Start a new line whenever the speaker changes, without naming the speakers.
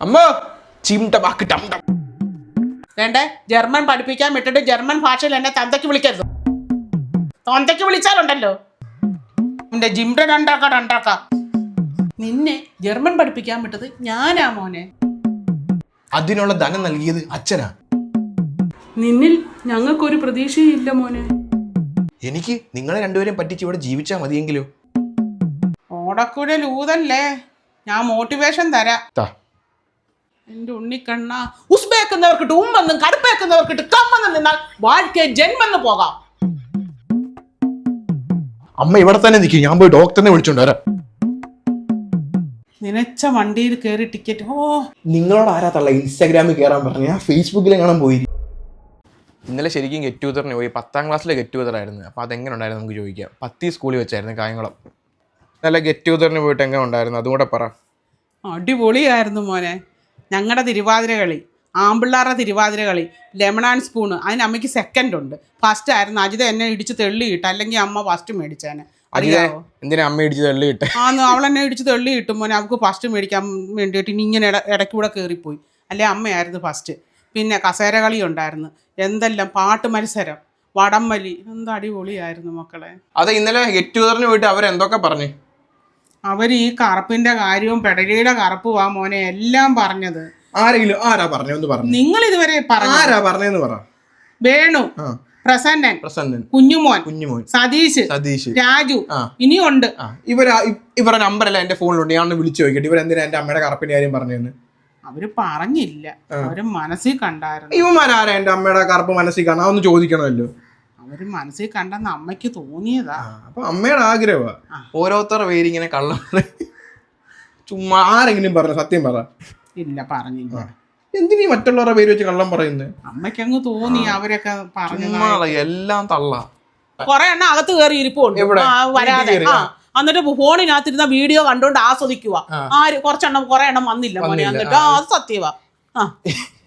അമ്മ ചിംട ബാക്ക് ടം ടം.
വേണ്ടേ ജർമ്മൻ പഠിപ്പിക്കാൻ വിട്ടിട്ട് ജർമ്മൻ ഭാഷയിൽ എന്നെ തന്തയ്ക്ക് വിളിക്കരുത്. തന്തയ്ക്ക് വിളിച്ചാലുണ്ടല്ലോ എന്റെ ജിംട രണ്ടാക്ക. നിന്നെ ജർമ്മൻ പഠിപ്പിക്കാൻ വിട്ടത് ഞാനാ മോനെ.
അതിനുള്ള ധനം നൽകിയത് അച്ഛനാ.
നിന്നിൽ ഞങ്ങൾക്കൊരു പ്രതീക്ഷയില്ല മോനെ.
എനിക്ക് നിങ്ങളെ രണ്ടുപേരെയും പറ്റിച്ച് ഇവിടെ ജീവിച്ചാൽ മതിയെങ്കിലോ?
ഓടക്കുഴൽ ഊതല്ലേ, ഞാൻ മോട്ടിവേഷൻ തരാം.
താ.
എന്റെ ഉണ്ണിക്കണ്ണ ഉസ്ബേക്കുന്നവർക്കിട്ട് ഉമ്മെന്നും കടുപ്പേക്കുന്നവർക്കിട്ട് കമ്മെന്നും നിന്നാൽ വാഴ്ക്കേ ജന്മെന്ന് പോകാം.
അമ്മ ഇവിടെ തന്നെ നിൽക്കും, ഞാൻ പോയി ഡോക്ടറിനെ വിളിച്ചോണ്ട് വരാം.
നിനച്ച വണ്ടിയിൽ കയറി ടിക്കറ്റ്. ഓ
നിങ്ങളോട് ആരാ തള്ള ഇൻസ്റ്റാഗ്രാമിൽ കയറാൻ പറഞ്ഞു? ഞാൻ ഫേസ്ബുക്കിൽ കാണാൻ പോയി. ഇന്നലെ ശരിക്കും ഗെറ്റ് ടുഗദറിന് പോയി. 10ാം ക്ലാസ്സിലെ ഗെറ്റ് ടുഗദർ ആയിരുന്നു. അപ്പോൾ അതെങ്ങനെ ഉണ്ടായിരുന്നു നമുക്ക് ചോദിക്കാം. 10 സ്കൂളിൽ വെച്ചായിരുന്നു കായംകുളം. ഇന്നലെ ഗെറ്റ് ടുഗദറിന് പോയിട്ട് എങ്ങനെ ഉണ്ടായിരുന്നു അതുകൂടെ പറ.
അടിപൊളിയായിരുന്നു മോനെ. ഞങ്ങളുടെ തിരുവാതിര കളി, ആമ്പിള്ളാരുടെ തിരുവാതിര കളി, ലെമൺ ആൻഡ് സ്പൂണ്. അതിന് അമ്മയ്ക്ക് സെക്കൻഡ് ഉണ്ട്. ഫസ്റ്റ് ആയിരുന്നു. അജിത എന്നെ ഇടിച്ച് തെള്ളിയിട്ട്, അല്ലെങ്കിൽ അമ്മ ഫസ്റ്റ് മേടിച്ചേനെ. അറിയാമോ
എന്തിനാ അമ്മ ഇടിച്ച് തള്ളി കിട്ടെ?
ആന്ന് അവളെന്നെ ഇടിച്ച് തെള്ളി കിട്ടും മോനെ. അവൾക്ക് ഫസ്റ്റ് മേടിക്കാൻ വേണ്ടിയിട്ട് ഇനി ഇങ്ങനെ ഇടയ്ക്കൂടെ കയറിപ്പോയി. അല്ലെ അമ്മയായിരുന്നു ഫസ്റ്റ്. പിന്നെ കസേര കളി ഉണ്ടായിരുന്നു. എന്തെല്ലാം പാട്ട് മത്സരം, വടംവലി, എന്ത് അടിപൊളിയായിരുന്നു മക്കളെ.
അതെ, ഇന്നലെ ഗെറ്റ് ടുഗദറിന് പോയിട്ട് അവരെന്തൊക്കെ പറഞ്ഞു?
അവർ ഈ കറുപ്പിന്റെ കാര്യവും പെടലിയുടെ കറുപ്പുവാ മോനെ എല്ലാം പറഞ്ഞത്.
ആരെങ്കിലും ആരാ പറഞ്ഞെന്ന് പറഞ്ഞു?
നിങ്ങൾ ഇതുവരെ പറഞ്ഞു.
ആരാ പറഞ്ഞെന്ന് പറ.
വേണു, പ്രസന്നൻ,
പ്രസന്നൻ,
കുഞ്ഞുമോൻ, സതീഷ്, രാജു, ഇനിയുണ്ട്.
ഇവരുടെ നമ്പറല്ല എന്റെ ഫോണിലുണ്ട്. ഞാൻ വിളിച്ചു നോക്കിയിട്ട് ഇവരെന്തിനാ എന്റെ അമ്മയുടെ കറുപ്പിന്റെ കാര്യം പറഞ്ഞെന്ന്.
അവര് പറഞ്ഞില്ല, അവര് മനസ്സിൽ കണ്ടായിരുന്നു.
ഇവന്മാരാരാ എന്റെ അമ്മയുടെ കറുപ്പ് മനസ്സിൽ കാണാൻ? ഒന്ന് ചോദിക്കണമല്ലോ.
അവര് മനസ്സിൽ കണ്ടെന്ന് അമ്മയ്ക്ക് തോന്നിയതാ.
അപ്പൊ അമ്മയുടെ ആഗ്രഹമാ. ഓരോരുത്തരുടെ പേര് ഇങ്ങനെ കള്ളം ചുമ്മാ. ആരെങ്കിലും പറഞ്ഞു? സത്യം പറ.
ഇല്ല, പറഞ്ഞില്ല.
എന്തിനീ മറ്റുള്ളവരുടെ പേര് വെച്ച് കള്ളം പറയുന്നത്?
അമ്മയ്ക്ക് അങ്ങ് തോന്നി അവരൊക്കെ പറഞ്ഞു.
എല്ലാം തള്ള.
കൊറേ എണ്ണം അകത്ത് കയറി ഇരിപ്പുണ്ട് വരാതെ. എന്നിട്ട് ഫോണിനകത്തിരുന്ന വീഡിയോ കണ്ടോണ്ട് ആസ്വദിക്കുക. ആര് കുറച്ചെണ്ണം കുറെ എണ്ണം വന്നില്ല മോനെ. എന്നിട്ട് അത് സത്യവാ.